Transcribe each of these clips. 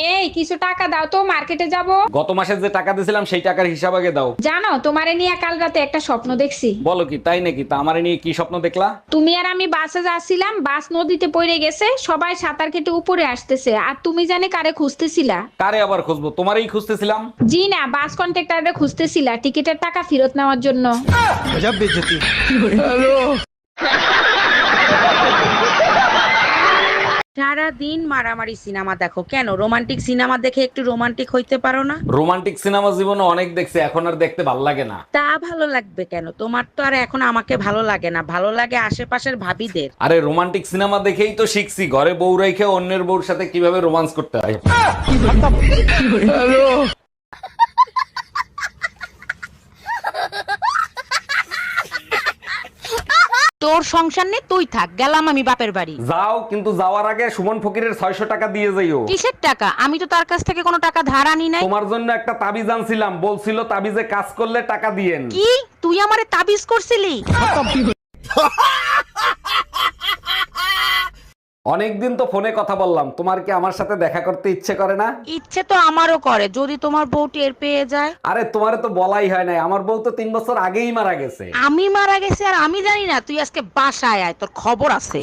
এই কিছু টাকা দাও তো, মার্কেটে যাব। গত মাসে যে টাকা দিয়েছিলাম সেই টাকার হিসাব আগে দাও। জানো, তোমারে নিয়ে কাল রাতে একটা স্বপ্ন দেখছি। বলো কি, তাই নাকি? তা আমারে নিয়ে কি স্বপ্ন দেখলা? তুমি আর আমি বাসে যাচ্ছিলাম, বাস নদীতে পড়ে গেছে, সবাই সাঁতার কেটে উপরে আসতেছে, আর তুমি জানে কারে খুঁজতেছিলা? কারে আবার খুঁজবো? তোমারই খুঁজতেছিলাম। জি না, বাস কন্ট্রাক্টরে খুঁজতেছিলা টিকিটের টাকা ফেরত নেওয়ার জন্য। সারা দিন মারামারি সিনেমা দেখো কেন? রোমান্টিক সিনেমা দেখে একটু রোমান্টিক হইতে পারো না? রোমান্টিক সিনেমা জীবনে অনেক দেখছি, এখন আর দেখতে ভাল লাগে না। তা ভালো লাগবে কেন? তোমার তো আর এখন আমাকে ভালো লাগে না, ভালো লাগে আশেপাশের ভাবিদের। আরে রোমান্টিক সিনেমা দেখেই তো শিখছি ঘরে বউ রেখে অন্যের বউর সাথে কিভাবে রোমান্স করতে হয়। তোর সংসার নেই, তুই থাক, গেলাম আমি বাপের বাড়ি। যাও, কিন্তু যাওয়ার আগে সুমন ফকিরের 600 টাকা দিয়ে যাইও। কিসের টাকা? আমি তো তার কাছ থেকে কোনো টাকা ধার আনি নাই। তোমার জন্য একটা তাবিজ আনছিলাম, বলছিল তাবিজে কাজ করলে টাকা দিয়েন। কি তুই আমারে তাবিজ করছিলি? অনেকদিন তো ফোনে কথা বললাম, তোমার কি আমার সাথে দেখা করতে ইচ্ছে করে না? ইচ্ছে তো আমারও করে, যদি তোমার বউ টের পেয়ে যায়। আরে তোমারে তো বলাই হয় নাই, আমার বউ তো 3 বছর আগেই মারা গেছে। আমি মারা গেছি আর আমি জানি না? তুই আজকে বাসায় আয়, তোর খবর আছে।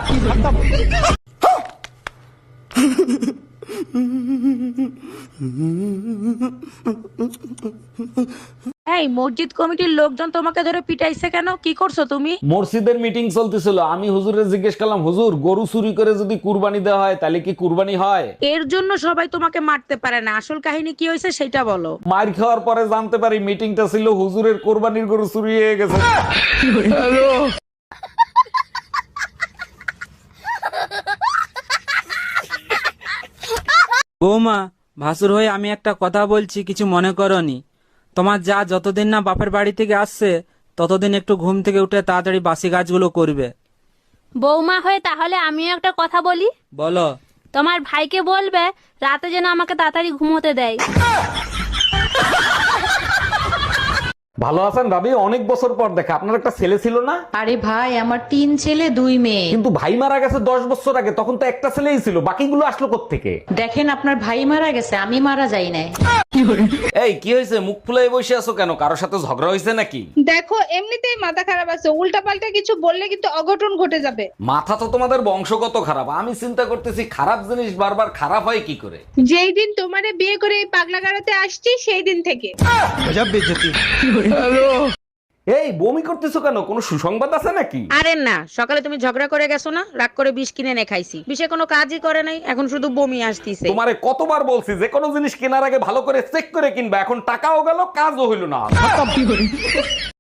এই মসজিদ কমিটির লোকজন তোমাকে ধরে পিটাইছে কেন? কি করছো তুমি? মসজিদের মিটিং চলতেছিল, আমি হুজুরে জিজ্ঞেস করলাম, হুজুর গরু চুরি করে যদি কুরবানি দেওয়া হয় তাহলে কি কুরবানি হয়? এর জন্য সবাই তোমাকে মারতে পারে না, আসল কাহিনী কি হয়েছে সেটা বলো। মার খাওয়ার পরে জানতে পারি মিটিংটা ছিল হুজুরের কোরবানির গরু চুরি হয়ে গেছে। হ্যালো। বৌমা, ভাসুর হয়ে আমি একটা কথা বলছি, কিছু মনে করনি। তোমার যা যতদিন না বাপের বাড়ি থেকে আসছে ততদিন একটু ঘুম থেকে উঠে তাড়াতাড়ি বাসি কাজগুলো করবে। বৌমা হয়ে তাহলে আমিও একটা কথা বলি। বলো। তোমার ভাইকে বলবে রাতে যেন আমাকে তাড়াতাড়ি ঘুমোতে দেয়। ভালো আছেন ভাবি? অনেক বছর পর দেখা। আপনার একটা ছেলে ছিল না? আরে ভাই, আমার 3 ছেলে 2 মেয়ে। কিন্তু ভাই মারা গেছে 10 বছর আগে, তখন তো একটা ছেলেই ছিল, বাকিগুলো আসলো কোত্থেকে? দেখেন, আপনার ভাই মারা গেছে, আমি মারা যাই নাই। এই কি হয়েছে? মুখ ফুলাই বসে আছো কেন? কারোর সাথে ঝগড়া হয়েছে নাকি? দেখো, এমনিতেই মাথা খারাপ আছে, উল্টাপাল্টা কিছু বললে কিন্তু অঘটন ঘটে যাবে। মাথা তো তোমাদের বংশগত খারাপ। আমি চিন্তা করতেছি খারাপ জিনিস বারবার খারাপ হয় কি করে। যেই দিন তোমারে বিয়ে করে এই পাগলা গাড়াতে আসছি সেই দিন থেকে। এই বমি করতেছো কেন? কোনো সুসংবাদ আছে নাকি? আরে না, সকালে তুমি ঝগড়া করে গেছো না, রাগ করে বিষ কিনে এনে খাইছি, বিষে কোনো কাজই করে নাই, এখন শুধু বমি আসতিছে। তোমারে কতবার বলছি যে কোনো জিনিস কেনার আগে ভালো করে চেক করে কিনবা, এখন টাকাও গেল, কাজও হইল না।